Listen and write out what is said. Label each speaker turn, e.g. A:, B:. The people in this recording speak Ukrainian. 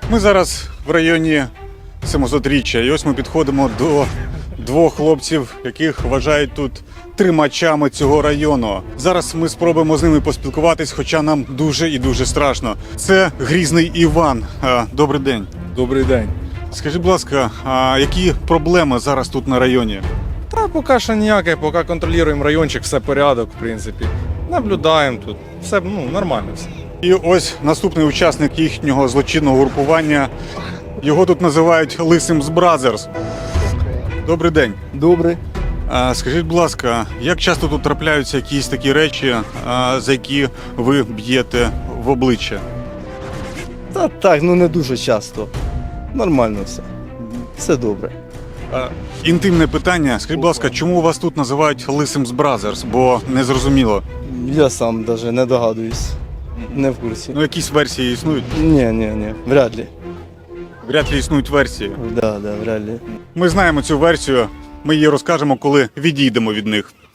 A: Ми зараз в районі 700-річчя, і ось ми підходимо до двох хлопців, яких вважають тут тримачами цього району. Зараз ми спробуємо з ними поспілкуватись, хоча нам дуже і дуже страшно. Це Грізний Іван. Добрий день.
B: Добрий день.
A: Скажіть, будь ласка, які проблеми зараз тут на районі?
B: Та поки що ніяке, поки контролюємо райончик, все порядок, в принципі. Наблюдаємо тут. Все нормально все.
A: І ось наступний учасник їхнього злочинного групування. Його тут називають Лисим з Бразерс. Добрий день.
C: Добре.
A: Скажіть, будь ласка, як часто тут трапляються якісь такі речі, за які ви б'єте в обличчя?
C: Та так, не дуже часто. Нормально все. Все добре.
A: Інтимне питання. Скажіть, будь ласка, чому вас тут називають Лисим з Бразерс? Бо не зрозуміло.
C: Я сам навіть не догадуюсь. Не в курсі.
A: Ну, якісь версії існують?
C: Ні, вряд ли.
A: Вряд ли існують версії.
C: Да, вряд ли.
A: Ми знаємо цю версію, ми її розкажемо, коли відійдемо від них.